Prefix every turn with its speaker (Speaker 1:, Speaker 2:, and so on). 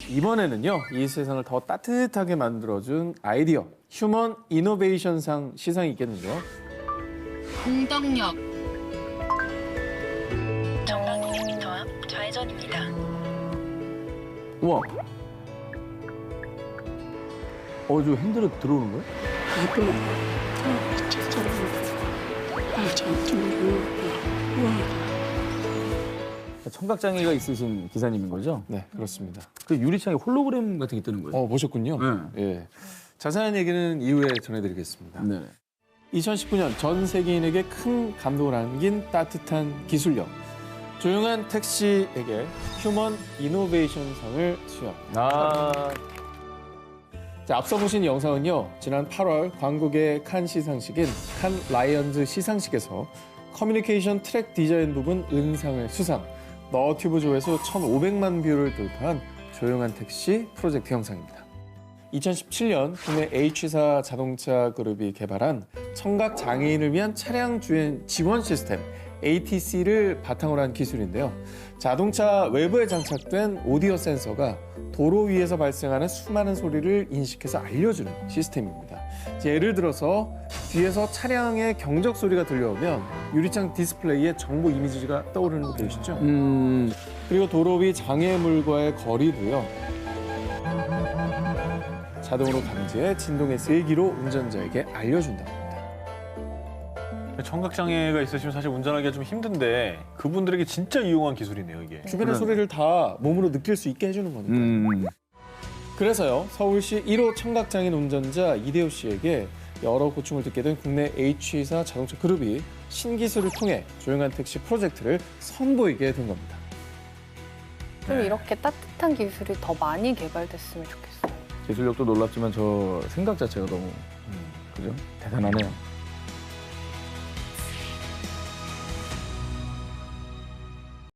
Speaker 1: 이번에는요, 이 세상을 더 따뜻하게 만들어준 아이디어, 휴먼 이노베이션상 시상이 있겠는데요.
Speaker 2: 공덕력.
Speaker 3: 정강님 도합 좌회전입니다.
Speaker 4: 우와. 저 핸들에 들어오는 거야? 청각장애가 있으신 기사님인 거죠?
Speaker 1: 네, 그렇습니다.
Speaker 4: 그 유리창에 홀로그램 같은 게 뜨는 거예요?
Speaker 1: 보셨군요.
Speaker 4: 네.
Speaker 1: 예. 자세한 얘기는 이후에 전해드리겠습니다.
Speaker 4: 네.
Speaker 1: 2019년 전 세계인에게 큰 감동을 안긴 따뜻한 기술력. 조용한 택시에게 휴먼 이노베이션상을 수여합니다. 자, 앞서 보신 영상은요, 지난 8월 광고계 칸 시상식인 칸 라이언즈 시상식에서 커뮤니케이션 트랙 디자인 부분 은상을 수상, 너튜브 조회수 1,500만 뷰를 돌파한 조용한 택시 프로젝트 영상입니다. 2017년 국내 H사 자동차 그룹이 개발한 청각 장애인을 위한 차량 주행 지원 시스템 ATC를 바탕으로 한 기술인데요. 자동차 외부에 장착된 오디오 센서가 도로 위에서 발생하는 수많은 소리를 인식해서 알려주는 시스템입니다. 예를 들어서 뒤에서 차량의 경적 소리가 들려오면 유리창 디스플레이에 정보 이미지가 떠오르는 거 보이시죠? 그리고 도로 위 장애물과의 거리도요. 자동으로 감지해 진동의 세기로 운전자에게 알려준다고 합니다.
Speaker 5: 청각장애가 있으시면 사실 운전하기가 좀 힘든데 그분들에게 진짜 유용한 기술이네요, 이게.
Speaker 1: 주변의 소리를 다 몸으로 느낄 수 있게 해주는 거니까. 그래서요, 서울시 1호 청각장애인 운전자 이대호 씨에게 여러 고충을 듣게 된 국내 H사 자동차 그룹이 신기술을 통해 조용한 택시 프로젝트를 선보이게 된 겁니다.
Speaker 6: 좀 이렇게 따뜻한 기술이 더 많이 개발됐으면 좋겠어요.
Speaker 4: 기술력도 놀랍지만 저 생각 자체가 너무 그죠? 대단하네요.